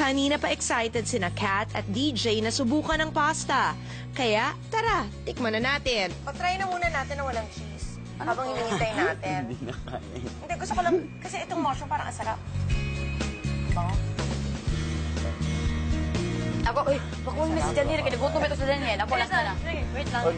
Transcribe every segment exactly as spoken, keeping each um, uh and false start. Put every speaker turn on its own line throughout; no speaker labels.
Kanina pa excited sina Kat at D J na subukan ng pasta. Kaya, tara, tikman na natin.
Patry na muna natin na walang cheese. Habang hinihintay natin.
Hindi na kaya.
Hindi, gusto ko lang, kasi itong mushroom parang asarap. Bango.
Ako, uy, bakuhin mo si Daniel. Kinagutom ito si Daniel. Ako, last na lang. Wait lang.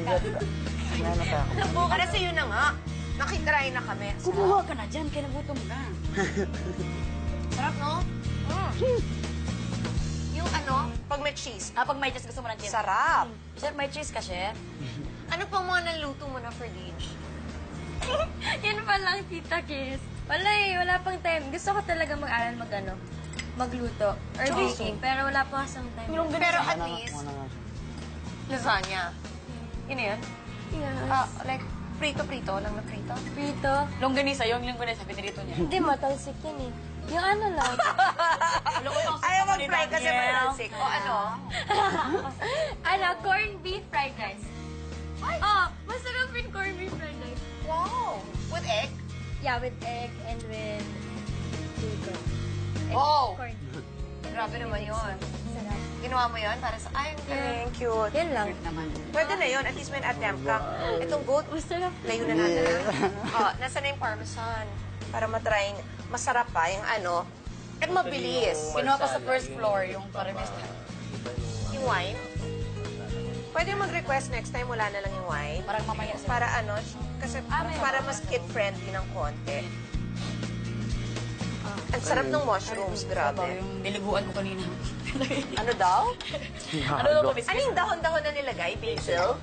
Para sa'yo na nga. Nakitry na kami.
Kumuha ka na dyan. Kinagutom na.
Sarap, no? Mm. Yung ano, pag may cheese.
Ah, pag may cheese, gusto mo ng cheese?
Sarap.
Chef, may cheese ka, chef?
Ano pang mga naluto mo na for lunch?
Yan pa lang, Tita Kiss. Wala eh, wala pang time. Gusto ko talaga mag-aral mag ano, magluto or baking. Pero wala pa kasang time.
Pero at least, lasagna. Yun na yun?
Yes.
Ah, like, prito-prito lang na prito.
Prito.
Longganisa, yung longganisa, pinirito niya.
Hindi, matalsik yun eh. Yung ano lang.
Ayaw mag-fry kasi matalsik. O ano?
ano, corned beef fried rice. Oh, masarap yung corned beef fried rice.
Wow! With egg?
Yeah, with egg and with bacon. Egg,
Oh!
Corn.
Grabe naman yun.
Sarap.
Ginawa mo yun para sa... Ay, ang galing, cute.
Yan lang.
Naman.
Pwede na yun. At least may attempt ka. Itong goat,
Masarap.
layo na natin. Oh, nasa na yung parmesan. Para matry. Masarap pa yung ano. At mabilis.
Kinuha pa sa first floor yung parmesan.
Yung wine. Pwede mag-request next time wala na lang yung wine.
Parang mamaya sa...
Para ano, kasi para mas kid-friendly ng konti. Ang sarap ng mushrooms, grabe.
Yung niliguan ko kanina.
Ano daw?
Ano daw kami?
Ano yung dahon-dahon na nilagay? Basil?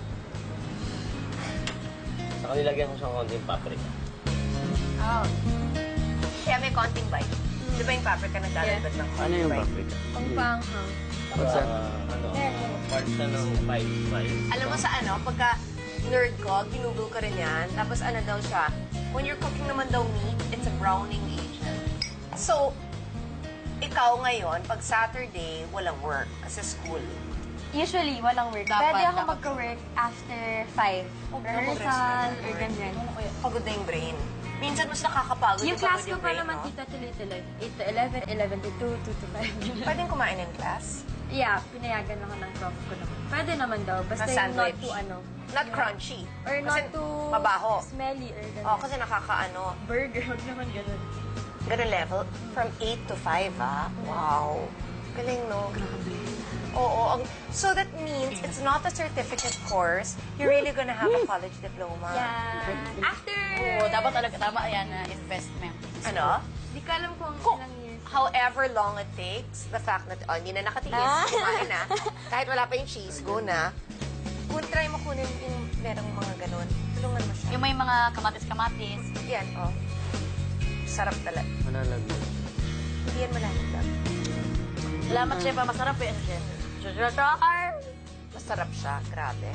Saka nilagyan ko siyang konting paprika.
Oh. Kaya may konting bite. Di ba yung paprika nagdadagdag ng
Ano
konting
yung
bite?
paprika?
Ang panghang.
What's that? Ano, part siya ng spice, spice.
Alam mo sa ano, pagka nerd ko, ginugol ko rin yan. Tapos ano daw siya, when you're cooking naman daw meat, it's a browning agent. So, ikaw ngayon, pag Saturday, walang work kasi school.
Usually, walang work.
Dapat,
Pwede ako
dapat.
magka-work after five. Rehearsal or ganyan.
Pagod na yung brain. Minsan mas nakakapagod
Yung
pagod
class ko
yung
pa
brain,
naman,
no?
tita, tuloy-tuloy. eight to eleven, eleven to two, two to five.
Pwedeng kumain in class?
Yeah, pinayagan ako ng prof ko naman. Pwede naman daw. Basta
Na
yung not
sandwich.
too ano.
Not crunchy.
Or
Kasi
not too
mabaho.
smelly or ganyan.
Oh, kasi nakakaano.
Burger, huwag naman ganun.
Ganun level. From eight to five, ah. Wow. Galing, no? Oo. Ang, so that means it's not a certificate course. You're really gonna have a college diploma.
Yeah. After...
Oo, dapat talaga tama yan na investment.
Ano?
Di ko alam kung
Kung
ilang years.
however long it takes, the fact that, oh, hindi na nakatiis, kumain na. Kahit wala pa yung cheese, go na. Kung try mo kunin yung merong mga ganun, tulungan mo siya.
Yung may mga kamatis-kamatis.
Yan, oh. Sarap talaga.
Malalagyan.
Hindi yan malalaglag.
Salamat, chef. ah, Masarap yan, chef. Char!
Masarap siya, grabe.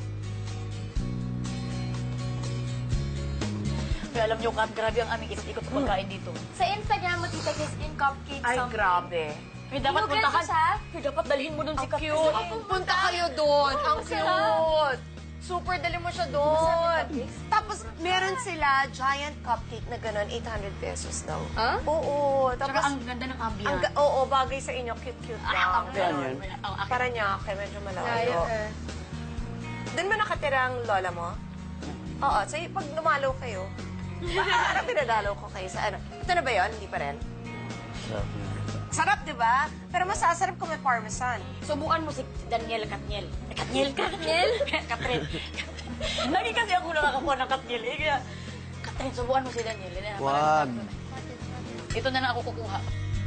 Kaya alam niyo, Kat, grabe ang aming ikot-ikot na pagkain dito.
Sa Instagram mo, tita, kiss in cupcake
Ay,
something.
grabe.
Kaya dapat
Inugal
puntahan.
ko siya?
Kaya dapat dalhin mo dun si Kat.
Cute. Punta kayo doon. Ang cute. Super, dali mo siya doon. Tapos, meron sila giant cupcake na gano'n, eight hundred pesos daw.
Huh?
Oo.
Tsaka
Tapos,
ang ganda ng
ang,
ambient.
ga- oo, bagay sa inyo, cute-cute
Ah,
lang.
ang
Saan yun?
Ang akin.
Para niya, kaya medyo malayo.
Layo eh.
Doon ba nakatira ang lola mo? Oo. So, y- pag lumalaw kayo, parang pinadalaw ko kayo sa ano. Ito na ba yun? Hindi pa rin?
Sarap na.
Sarap, di ba? Pero masasarap kung may parmesan.
Subukan mo si Daniel Katniel. Eh, Katniel? Katniel? Katrin. Lagi kasi ako nakakakuha ng Katniel. Eh, kaya, Katrin, subukan mo si Daniel. Eh,
Wag.
Ito na lang ako kukuha.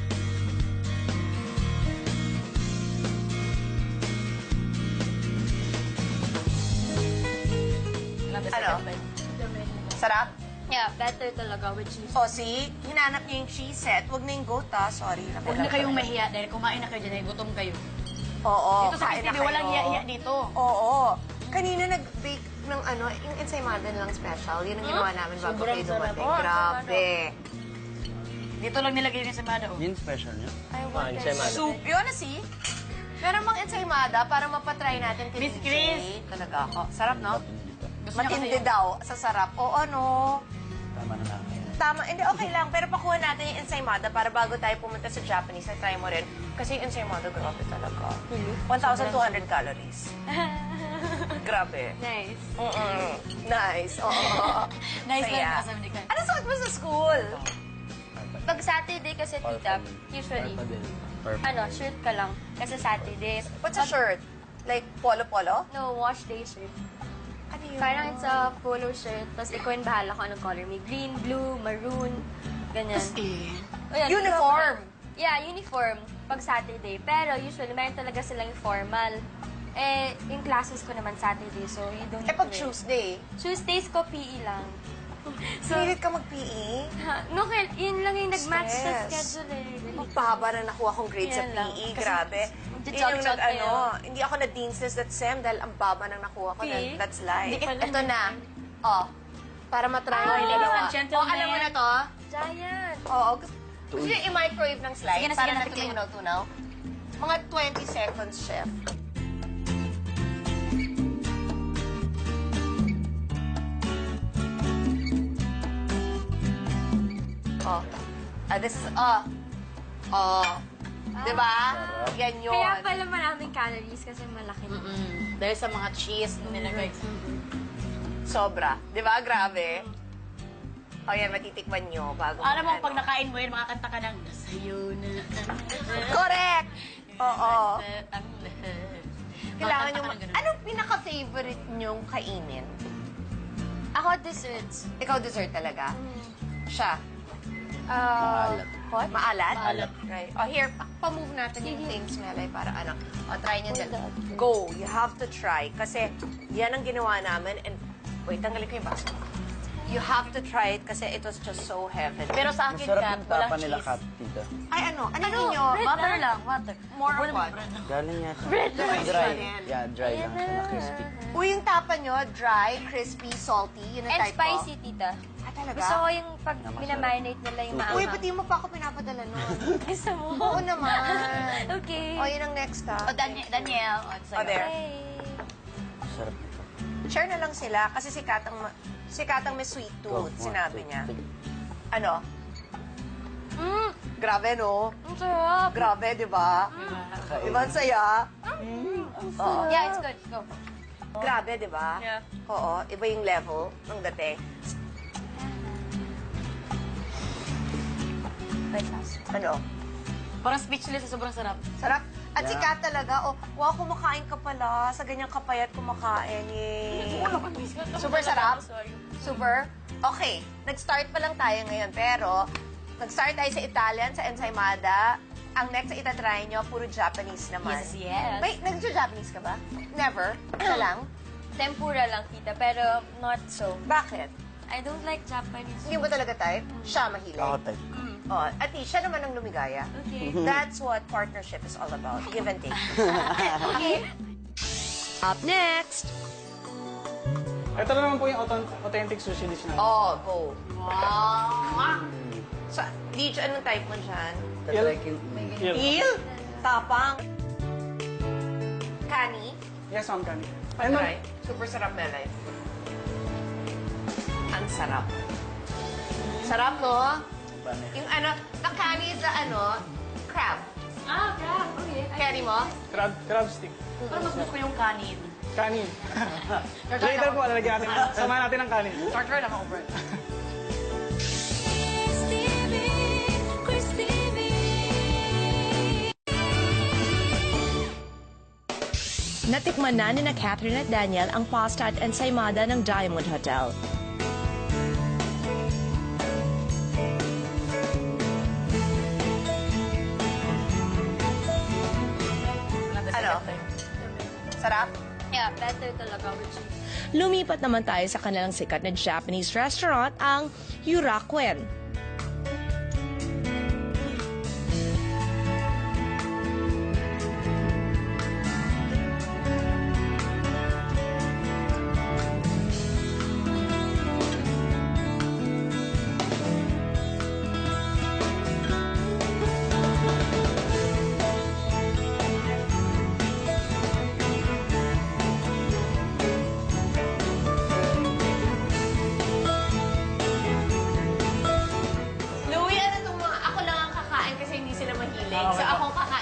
Ano? Sarap?
Yeah, better talaga with cheese.
O, see? Hinanap niya yung cheese set. Huwag na yung goat, ah. Sorry.
Huwag na kayong mahiya dahil kumain na kayo dyan, gutom kayo.
Oo.
Dito sa
kain na
K T V,
kayo.
walang hiya-hiya dito.
Oo. Kanina nag-bake ng ano, yung ensaymada nilang special. Yun ang ginawa namin bago
Sobrang
kayo
sarap.
dumating.
Oh,
Grabe.
Dito lang nilagay yung samada. Oh.
Yun special niya?
I
Ah,
want
ensaymada.
soup. Yun na, see? Meron mang ensaymada para mapatry natin kay
Miss
D J.
Chris.
Talaga ako. Sarap, no?
Gusto niya kasi
Matindi
yung-
daw sa sarap. Oo, ano?
Tama na namin.
tama. Hindi, okay lang. Pero pakuha natin yung ensaymada para bago tayo pumunta sa Japanese, na try mo rin. Kasi yung ensaymada, grabe talaga. one thousand two hundred calories. Grabe.
Nice.
Mm-mm. Nice. Oo.
Nice
Saya.
lang kasama ni Kai.
Ano suot mo sa school?
Pag Saturday kasi, tita, usually, ano, shirt ka lang. Kasi Saturdays.
What's a shirt? Like polo-polo?
No, wash day shirt.
Ano yun?
Parang it's a polo shirt, tapos ikaw yung bahala kung anong color. May green, blue, maroon, ganyan.
Eh,
O yan,
Uniform.
Yeah, uniform pag Saturday. Pero usually, meron talaga silang formal. Eh, yung classes ko naman Saturday, so you don't
Eh,
need
pag
to wear.
Tuesday,
Tuesdays ko, P E lang. So,
pinilit ka mag-P E?
ha, no, kaya- yun lang yung nag-match sa
Stress.
schedule eh.
Ang baba na nakuha kong grade sa
Yan lang.
P E,
Kasi
grabe.
magja-
Yun yung
jog-jog
nag, ano,
kayo.
hindi ako na-dean's list that sem dahil ang baba nang nakuha ko.
P E?
Then, that's life.
Hindi ka pala
Ito na. Oh, para matry mo
Ah,
yung
ladies
dalawa.
and gentlemen.
Oh, alam mo na to?
Giant.
Oo. Gusto gusto nyo i-microwave ng slide
Sige na,
para
sige na,
natutunaw-tunaw? Mga twenty seconds, chef. Oh. Ah, this is, oh. Oh. Diba? Yan yun.
Kaya pala maraming calories kasi malaki.
Mm, dahil sa mga cheese na nilagay.
Sobra. Diba? Grabe. O yan, matitikman nyo bago.
Alam mo,
ano.
pag nakain mo yun, makakanta ka ng Nasa'yo na ang lahat.
Correct! Oo.
Ang lahat.
Kailangan
Makakanta
nyo,
ka
ma-
ng ganun.
anong pinaka-favorite nyong kainin?
Ako, desserts.
Ikaw dessert talaga? Siya?
Uh, what?
Maalat?
Maalat.
Right. O here, pa- pa-move natin yung things, Melay, para ano. O, try nyo dala. Go. You have to try. Kasi yan ang ginawa namin. And, wait, tanggalin ko yung baso. You have to try it kasi it was just so heaven.
Pero sa akin,
Masarap
Kat,
yung
walang
tapa nila,
cheese.
Kat, tita.
Ay, ano? Ano, ninyo?
Butter lang, butter.
More of
Wala
what?
bread lang.
Galing yata.
Bread lang.
Dry.
Yan.
Yeah, dry lang siya na crispy.
Uy, yung tapa nyo, dry, crispy, salty. Yun ang
And
type
spicy,
ko.
tita.
Ah, talaga?
Gusto ko yung pag minamarinate nila yung
Uy,
maanghang.
ba't di mo pa ako pinapadala nun?
Gusto mo?
Oo naman.
Okay.
O, yun ang next, ha?
O, Daniel. Daniel. O,
O, there.
Hey.
Sarap nito.
Share na lang sila kasi si Katang, ma- si Katang may sweet tooth,
Go,
sinabi
one, two,
niya.
three.
Ano?
Mm,
Grabe, no?
ang sarap.
Grabe, di ba? Di ba ang saya? Oo.
Yeah, it's good. Go.
Grabe, di ba?
Yeah.
Oo, iba yung level ng dating.
Wait, last.
Ano?
Parang speechless sa sobrang sarap.
Sarap. At si
Yeah.
Kat talaga, oh, wow, kumakain ka pala. Sa ganyang kapayat kumakain, yay. Super sarap? Super? Okay, nag-start pa lang tayo ngayon, pero nag-start tayo sa Italian, sa ensaymada. Ang next na itatry nyo, puro Japanese naman.
Yes, yes.
Wait, nag-Japanese ka ba? Never? Isa lang?
Tempura lang, tita, pero not so.
Bakit?
I don't like Japanese.
Hindi mo talaga type? Siya mahilig.
Ako type.
Oh, at least siya naman ang lumigaya.
Okay.
That's what partnership is all about. Give and take.
Okay.
Up next,
Ito na naman po yung authent- authentic sushi dish natin.
Oh, go. Wow! So, Deej, anong type mo dyan?
Tatry ko yung
Yun.
Eel? Tapang? Kani?
Yes, ma'am, Kani. Ayun, ma'am.
Try. Super sarap na life. Ang sarap. Sarap, no? Yung ano, the kani is the ano, crab.
Ah, crab. Okay.
Carry mo?
Crab, crab stick.
Pero mas gusto ko yung kanin.
Kanin. Later po, lalagyan natin. Samahan natin ng kanin.
Starter lang ako, Brad.
natikman na ni na Catherine at Daniel ang pasta at ensaymada ng Diamond Hotel.
Ano? Sarap?
Yeah, better talaga with cheese.
Lumipat naman tayo sa kanilang sikat na Japanese restaurant, ang Yurakuen.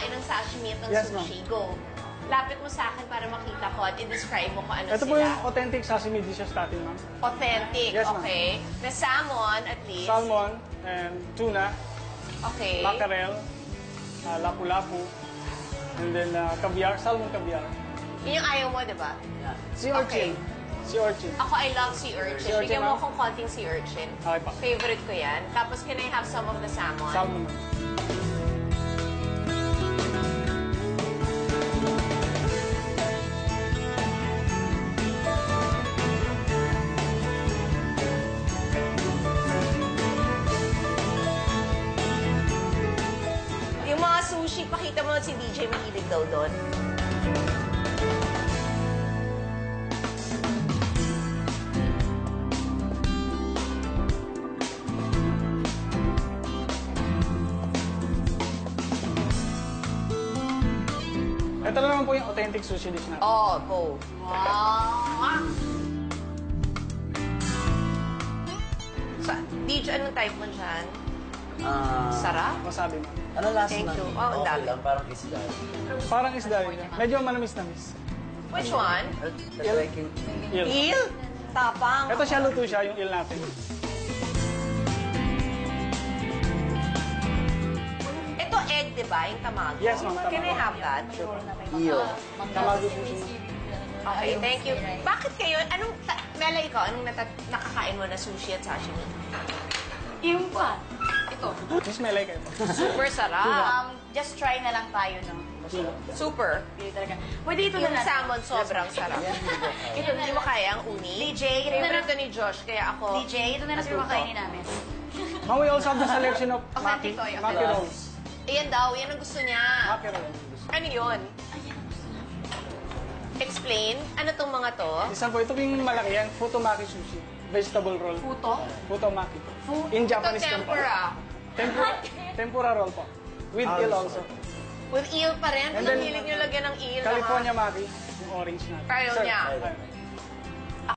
kumakain ng sashimi at ng
Yes, ma'am.
sushi. Go. Lapit mo sa akin para makita ko at i-describe mo kung ano
Ito
sila.
po yung authentic sashimi dishes natin, ma'am.
Authentic,
Yes, ma'am.
okay. Na salmon, at least.
Salmon and tuna,
Okay.
mackerel, uh, lapu-lapu, and then uh, caviar, salmon caviar.
Yun yung ayaw mo, di ba?
Sea urchin. Sea urchin.
Ako, I love sea urchin.
Sea urchin,
Bigyan mo
ma'am.
akong konting sea urchin.
Okay pa.
Favorite ko yan. Tapos, can I have some of the salmon?
Salmon, ma'am.
Yung mga sushi, pakita mo si D J mahilig daw doon.
Ito na naman po yung authentic sushi dish natin.
Oh, go. Wow! Sa, D J, anong type mo dyan?
Ah,
Sarap?
Wasabi, ma'am.
ano last
Thank
na?
you. Oh, ang
okay
dami.
lang, parang isda.
Parang isda rin. Medyo manamis-namis.
Which one?
That's like yung...
Eel.
Eel? Tapang.
Ito siya, luto siya, yung eel natin.
Ito egg, di ba? Yung tamago.
Yes, ma'am,
Can I
tamago.
have that?
Iyo.
Tamago po siya.
Okay, thank you. Bakit kayo, anong, ta- Mela, ikaw, anong nata- nakakain mo na sushi at sashimi?
Yung pa. Ito.
Miss Melay kayo po.
Super sarap.
Um, just try na lang tayo, no?
Super.
Pili talaga. Pwede ito na
Yung
natin.
salmon sobrang sarap. Ito, hindi mo kaya ang uni? D J, favorite to ni Josh, kaya ako...
D J, ito na lang siguro makainin namin.
Ma'am, we also have the selection of maki,
Authentic to, yung
maki
authentic.
rolls.
Iyan daw, yan ang gusto niya.
Maki rolls.
Ano yun? Explain. Ano tong mga to?
Isa po, ito yung malaki yan, futomaki sushi. Vegetable roll.
Puto?
Futomaki. In
Ito
Japanese term po.
tempura.
Tempura. Tempura roll po. With eel also.
With eel pa rin.
And
Anong
then,
hilig niyo lagyan ng eel?
California maki, yung orange natin.
Ayaw
Sir,
niya.
ayaw.